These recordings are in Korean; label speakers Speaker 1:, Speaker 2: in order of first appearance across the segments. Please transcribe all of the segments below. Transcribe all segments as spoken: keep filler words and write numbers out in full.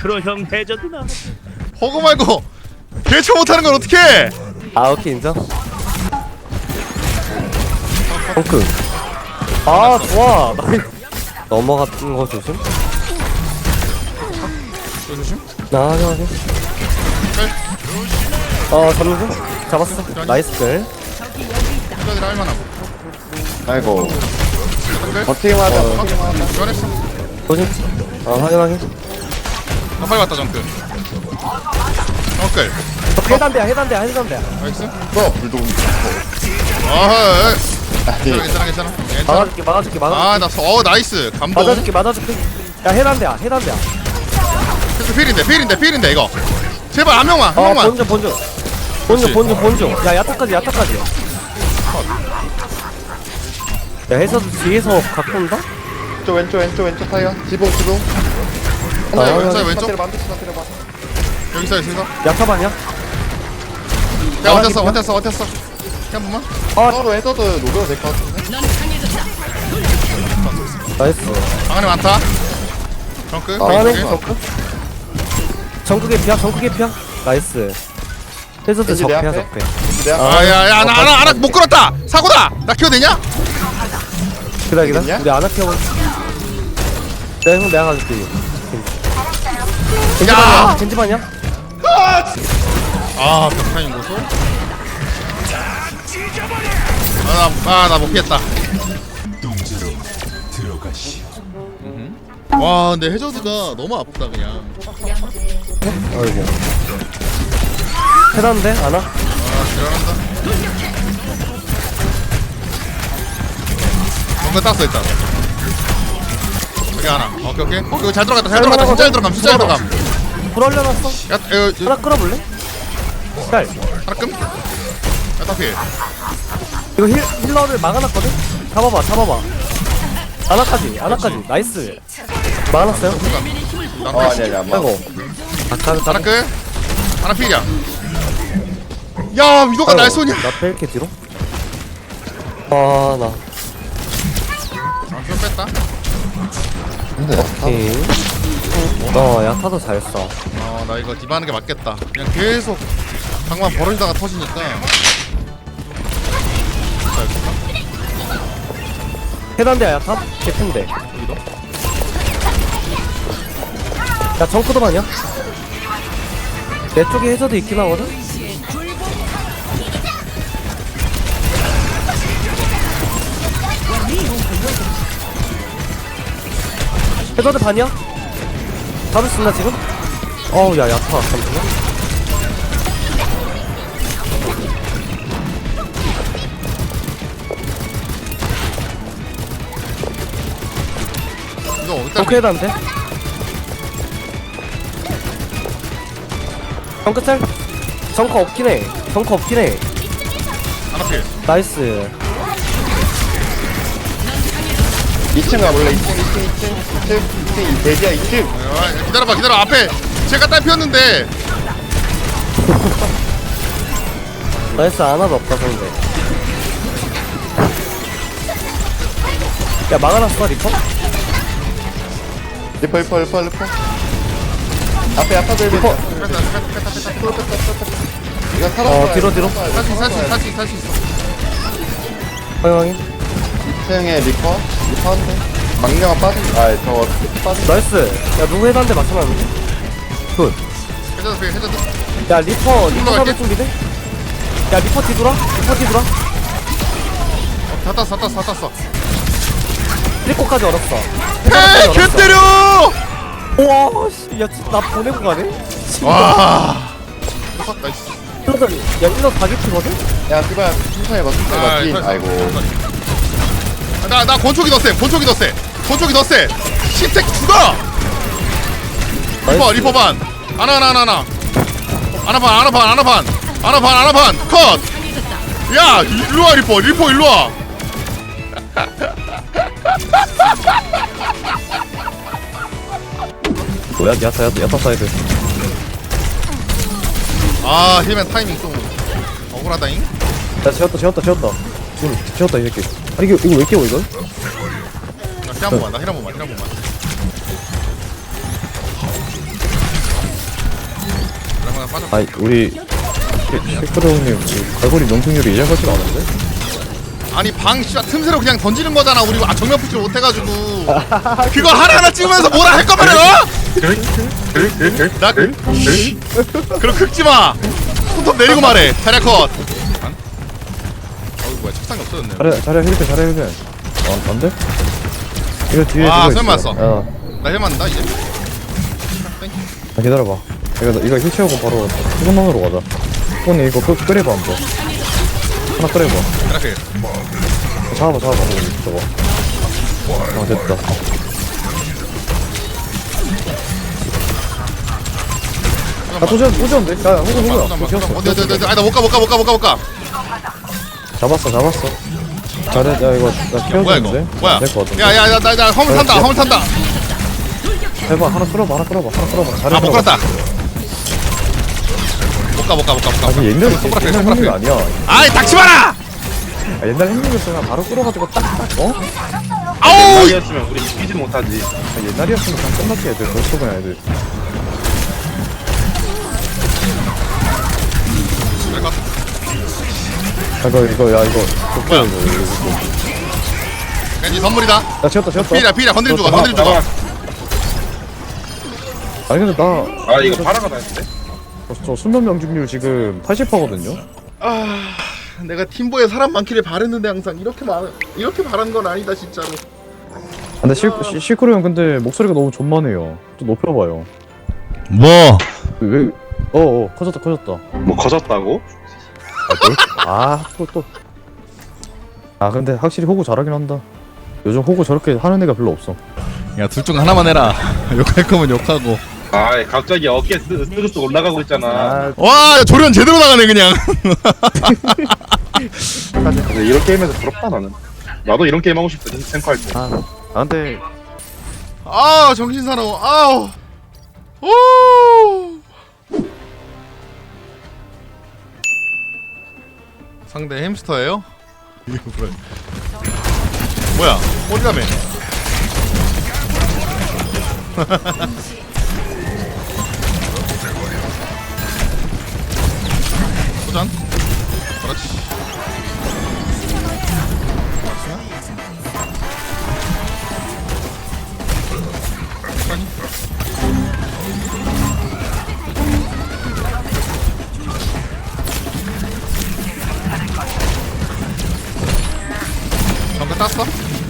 Speaker 1: 마크로 형 해저드 나.
Speaker 2: 허그 말고 개처 못하는 건 어떡해?
Speaker 3: 아 오케이 인정. 펑크. 아 좋아. 넘어갔던 거 조심.
Speaker 2: 저 조심.
Speaker 3: 나 하게 하게. 어 잡는 중. 잡았어. 나이스 글.
Speaker 2: 여자들 할만하고.
Speaker 4: 아이고
Speaker 2: 한글.
Speaker 4: 버티기만 하자
Speaker 3: 어.
Speaker 4: 버티기만 하자
Speaker 2: 변했어.
Speaker 3: 조심. 어 확인 확인.
Speaker 2: 아, 빨리 왔다 정크. 정클.
Speaker 3: 해단대야 해단대야 해단대야.
Speaker 2: 나이스.
Speaker 4: 또 불독
Speaker 2: 아,
Speaker 4: 아니
Speaker 2: 괜찮아 괜찮아 괜찮아. 괜찮아.
Speaker 3: 막아줄게 막아줄게 막아줄게.
Speaker 2: 아, 나 어 나이스. 감동.
Speaker 3: 맞아줄게 맞아줄게. 야 해단대야 해단대야.
Speaker 2: 그래서 필인데 필인데 필인데 이거. 제발 한 명만 한
Speaker 3: 어
Speaker 2: 명만.
Speaker 3: 본주 본주. 본주 본주 본주. 야 야타까지 야타까지. 야 해서도 뒤에서 갖고 온다?
Speaker 4: 왼쪽 왼쪽 왼쪽 왼쪽 타이어 지붕 지붕
Speaker 2: 아,
Speaker 4: 왼쪽
Speaker 2: 왼쪽, 왼쪽.
Speaker 4: 때려봐 한 대씩 다 때려봐
Speaker 2: 여기 있어 여기 있어.
Speaker 3: 야타반이야?
Speaker 2: 야 원했어 원했어 원했어. 한 번만.
Speaker 4: 서로 해서도 녹여도 될 것 같은데
Speaker 3: 나이스.
Speaker 2: 방 안에 많다. 정크.
Speaker 4: 아,
Speaker 3: 방안에
Speaker 2: 오케이.
Speaker 3: 정크? 정크게 피야 정크게 피야? 나이스. 해서도
Speaker 4: 왠지 내
Speaker 3: 적패야
Speaker 4: 앞에?
Speaker 3: 적패.
Speaker 4: 내가
Speaker 3: 아.
Speaker 2: 아야야 나 하나 하나 못 끌었다. 사고다. 나 키워 되냐?
Speaker 3: 기다 기다.
Speaker 4: 있냐?
Speaker 3: 우리 안아 키워볼. 내가 형 내가 가줄게. 겐지반이야? 겐지반이야?
Speaker 2: 아 벽타임 고소. 아나 못 피했다. 와 근데 해저드가 너무 아프다 그냥.
Speaker 3: 아이고. 해단데 안아?
Speaker 2: 아 지랄한다. 뭔가 땄어 일단. 여기 하나. 오케이 오케이. 어 이거 잘 들어갔다 잘 들어갔다 진짜 잘 들어감 진짜 잘 들어감.
Speaker 3: 불 올려놨어.
Speaker 2: 야 이거
Speaker 3: 하나 끌어볼래? 짤.
Speaker 2: 하나 끔. 야딱 필.
Speaker 3: 이거 힐, 힐러를 막아놨거든? 잡아봐 잡아봐. 아나까지 아나까지 나이스. 막아놨어요?
Speaker 4: 어 아니 아니 안봐
Speaker 3: 아이고. 아까
Speaker 2: 하나 끔. 하나 필이야. 야 위도가 날 쏘냐?
Speaker 3: 나 뺄게 뒤로. 아, 나.
Speaker 2: 아 좀 뺐다.
Speaker 4: 근데
Speaker 3: 오케이. 어, 야타도 잘 써.
Speaker 2: 어나 이거 디바하는 게 맞겠다. 그냥 계속 방만 벌어지다가 터지니까. 자, 여기서.
Speaker 3: 해단대야, 야타? 개핀데.
Speaker 2: 여기도.
Speaker 3: 야, 정크도 아니야? 내 쪽에 해저도 있긴 하거든? 해저드 반이야? 잡을 수 있나, 지금? 어우, 야, 야타. 잠시만.
Speaker 2: 이거 어디다?
Speaker 3: 정크 해단대? 정크 짤? 정크 없긴 해. 정크 없긴 해.
Speaker 2: 하나 필.
Speaker 3: 나이스.
Speaker 4: 이 층 가볼래 이 층 이 층 이 층 이 층 이 층 이 돼지야 이 층
Speaker 2: 아, 기다려봐 기다려 앞에 제가 딸 피웠는데.
Speaker 3: 나이스 하나도 없다 상대. 야 막아놨어 리퍼?
Speaker 4: 리퍼 리퍼 리퍼 리퍼 앞에 앞에 리퍼
Speaker 2: 뺐다 뺐다 뺐다 뺐다.
Speaker 4: 이거 살았어
Speaker 3: 어 뒤로 뒤로.
Speaker 2: 살수 있어 살수 있어 살수 있어.
Speaker 3: 확인 확인.
Speaker 4: 이 층에 리퍼 리퍼 한대 망령아 빠진 아 저거 빠진
Speaker 3: 나이스. 야 누구 해단대 맞춰놨는데? 굿.
Speaker 2: 해저드 필 해저드.
Speaker 3: 야 리퍼 리퍼
Speaker 2: 올라갈게.
Speaker 3: 잡을 준비돼? 야 리퍼 뒤돌아? 리퍼 뒤돌아?
Speaker 2: 다 땄어 다 땄어 다 땄어.
Speaker 3: 리퍼까지 얼었어.
Speaker 2: 헤이 개 때려.
Speaker 3: 우와 씨야 진짜 나 보내고 가네?
Speaker 2: 와. 나이스.
Speaker 3: 힐러들 야 힐러 다 개피거든?
Speaker 4: 야 씨발 천천히 해봐 천천히 해봐
Speaker 2: 아,
Speaker 4: 팀
Speaker 2: 살수
Speaker 4: 아이고
Speaker 2: 있어. 나, 나 권총이 더 세, 권총이 더 세, 권총이 더 세. 신택 죽어! 리퍼,
Speaker 3: 나이스.
Speaker 2: 리퍼 반. 하나, 하나, 하나, 하나. 하나 반, 하나 반, 하나 반. 하나 반, 하나 반. 컷! 야, 일로 와, 리퍼, 리퍼, 일로 와.
Speaker 3: 뭐야 야타 야타 야타 사이드.
Speaker 2: 아, 힐맨 타이밍 좀 억울하다잉.
Speaker 3: 야 채웠다 채웠다 채웠다. 지금 채웠다 이 새끼. 아 이게 이거 왜 깨워 이걸?
Speaker 2: 나 힐 한 번만, 나 힐 한 번만, 힐 한 번만.
Speaker 1: 아니 우리 셰크로 형님 갈고리 명중률이 이전 같지가 않은데?
Speaker 2: 아니 방 씨발 틈새로 그냥 던지는 거잖아. 우리 아, 정면 푸시를 못 해가지고 그거 하나하나 찍으면서 뭐라 할 거면 어? 나 그럼 긁지 마. 손톱 내리고 말해. 자리야 컷. 안? 어이 뭐야 책상이 없어졌네.
Speaker 1: 잘해 잘해 힐때 잘해 힐때 어 안돼? 이거 뒤에
Speaker 2: 아,
Speaker 1: 누가
Speaker 2: 설마
Speaker 1: 있어.
Speaker 2: 왔어.
Speaker 1: 어.
Speaker 2: 나 해만다 이제.
Speaker 1: 아, 기다려봐 이거 이거 힐 채우고 바로 수건만으로 가자 수건이 이거 끄, 끓여봐 한번 하나 끓여봐
Speaker 2: 이렇게.
Speaker 1: 잡아봐 잡아봐 저거 아 됐다 아 도전 도전데? 야 호구 호구야
Speaker 2: 잠깐만.
Speaker 1: 기었어
Speaker 2: 어디 어디 어디. 아나 못 가 못 가 못 가 못 가 못 가.
Speaker 1: 잡았어 잡았어 잘해 야 이거 나
Speaker 2: 뭐야 이거?
Speaker 1: 키워줬는데?
Speaker 2: 뭐야?
Speaker 1: 될것 같은데
Speaker 2: 야야 나 나 나 화물 탄다. 화물 탄다.
Speaker 1: 해봐 하나 끌어봐 하나 끌어봐 하나 끌어봐 잘해
Speaker 2: 아 못 갔다. 못 가 못 가 못 가 못 가.
Speaker 1: 아니 옛날에
Speaker 2: 손가락
Speaker 1: 옛날
Speaker 2: 손가락
Speaker 1: 행동이 아니야
Speaker 2: 아이 닥치 마라.
Speaker 1: 아, 옛날 행동이었으면 바로 끌어가지고 딱딱 어?
Speaker 2: 아우.
Speaker 5: 옛날이었으면 우리 이기지 못하지.
Speaker 1: 아, 옛날이었으면 그냥 끝났지 애들 벌써 그냥 애들 아 이거 이거 야 이거
Speaker 2: 뭐야?
Speaker 1: 이거 이거 이거
Speaker 2: 왠지 선물이다.
Speaker 1: 야 지웠다 지웠다
Speaker 2: 피라 피라 건드림 주고 건드림 주고.
Speaker 1: 아니 근데 나
Speaker 5: 아 이거 파라가 나는데?
Speaker 1: 저, 저 수면 명중률 지금 팔십 퍼센트거든요
Speaker 2: 아 내가 팀보에 사람 많기를 바랬는데 항상 이렇게 말 이렇게 바란 건 아니다 진짜로.
Speaker 1: 근데 시, 시, 시크로 형 근데 목소리가 너무 존만해요 좀 높여봐요
Speaker 2: 뭐?
Speaker 1: 왜 어어 커졌다 커졌다
Speaker 5: 뭐 커졌다고?
Speaker 1: 아또 또 아 근데 확실히 호구 잘하긴 한다 요즘 호구 저렇게 하는 애가 별로 없어
Speaker 2: 야 둘 중 하나만 해라. 욕할 거면 욕하고.
Speaker 5: 아 갑자기 어깨 스- 스르스 올라가고 있잖아.
Speaker 1: 아
Speaker 2: 와 조련 제대로 나가네 그냥.
Speaker 5: 근데 이런 게임에서 부럽다 나는. 나도 이런 게임 하고 싶다. 탱커 할 때.
Speaker 1: 아, 아 근데
Speaker 2: 아 정신 사나워. 아우. 오. 상대 햄스터예요? 이거 뭐야? 뭐야? 어디 가면? 도전. 그렇지. 천천히. 정글 땄어?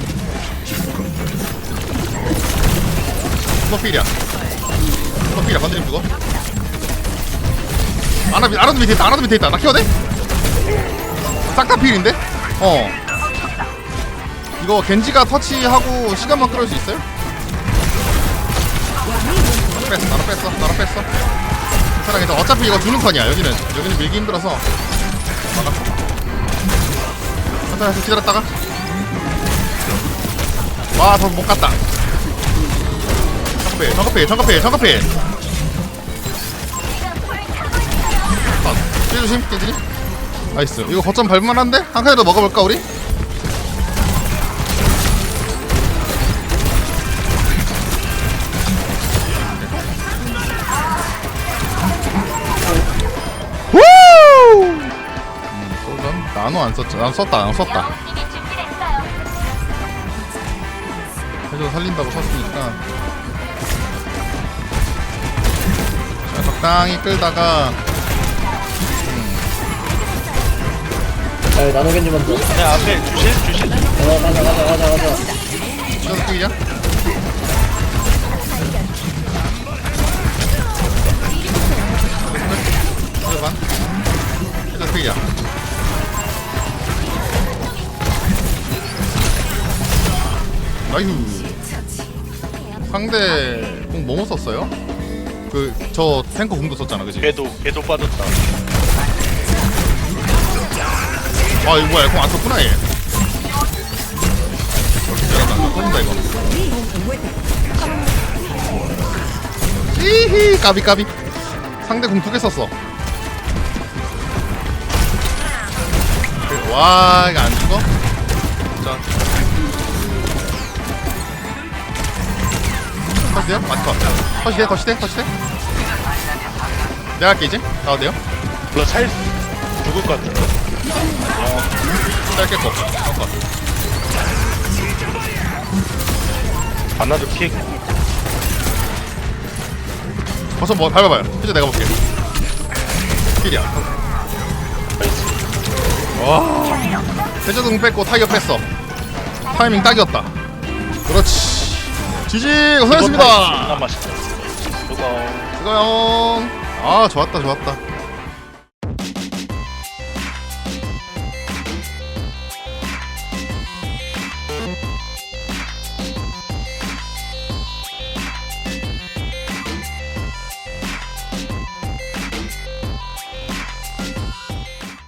Speaker 2: 프로필이야. 프로필이야. 건드림 주고. 아나 아나도 밑에 있다. 아나도 밑에 있다. 나 키워대? 싹 다 필인데? 어. 이거 겐지가 터치하고 시간만 끌을 수 있어요? 나로 뺐어. 나로 뺐어. 나로 뺐어. 괜찮아 괜찮아. 어차피 이거 주는 턴이야. 여기는 여기는 밀기 힘들어서 막았어. 잠깐 기다렸다가. 와, 더 못 갔다. 정커필, 정커필, 정커필, 정커필. 아, 찌 조심, 깨지니? 나이스. 이거 거점 밟을만한데? 한 칸이라도 먹어볼까, 우리? 후! 음, 소전? 나노 안 썼죠? 난 썼다, 난 썼다. 해줘 살린다고 썼으니까. 자, 적당히 끌다가
Speaker 3: 야 나노겐지 먼저
Speaker 6: 야 앞에 주실 주실
Speaker 3: 어 가자 가자 가자 가자
Speaker 2: 찍어서 뛰자. 해줘 반. 해줘 뛰자. 나이스. 상대 공 뭐뭐 썼어요? 그 저 탱커 공도 썼잖아, 그지?
Speaker 6: 걔도 걔도 빠졌다.
Speaker 2: 아 이거 뭐야? 공 안 썼구나 얘. 잘한다. 터진다 이거. 히히 까비 까비. 상대 공 두 개 썼어. 와 이거 안 죽어? 자. 컷이야? 맞 컷. 컷이야? 컷이돼? 컷이돼? 내가 할게 이제. 나와도 돼요?
Speaker 6: 몰라 살 죽을 것 같은데.
Speaker 2: 짧게 거. 잠깐.
Speaker 6: 안나도 킥.
Speaker 2: 벌써 뭐 밟아봐요. 이제 내가 볼게. 킬이야. 와. 해저등 뺐고 타이어 뺐어. 타이밍 딱이었다. 그렇지. 지지 고생했습니다.
Speaker 6: 존나 맛있다. 뜨거워.
Speaker 2: 수고용. 아 좋았다 좋았다.